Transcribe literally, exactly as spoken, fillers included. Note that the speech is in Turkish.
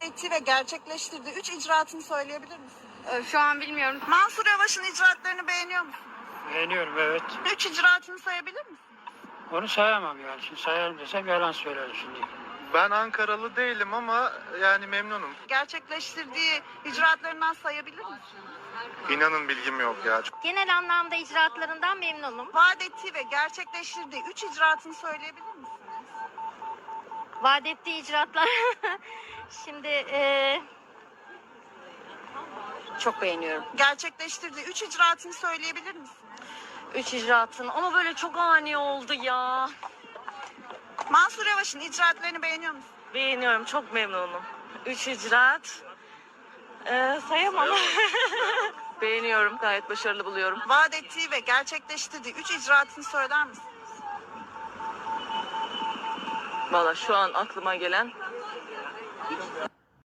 ettiği ve gerçekleştirdiği üç icraatını söyleyebilir misin? Ee, Şu an bilmiyorum. Mansur Yavaş'ın icraatlarını beğeniyor musun? Beğeniyorum, evet. Üç icraatını sayabilir misin? Onu sayamam yani. Şimdi sayarım desem yalan söylerim şimdi. Ben Ankaralı değilim ama yani memnunum. Gerçekleştirdiği icraatlarından sayabilir misin? İnanın bilgim yok ya. Genel anlamda icraatlarından memnunum. Vaat ettiği ve gerçekleştirdiği üç icraatını söyleyebilir misin? Vaat ettiği icraatlar. Şimdi e, çok beğeniyorum. Gerçekleştirdiği üç icraatını söyleyebilir misin? Üç icraatın ama böyle çok ani oldu ya. Mansur Yavaş'ın icraatlarını beğeniyor musun? Beğeniyorum, çok memnunum. Üç icraat. Ee, sayamam. Beğeniyorum, gayet başarılı buluyorum. Vaat ettiği ve gerçekleştirdiği üç icraatını söyler misin? Valla şu an aklıma gelen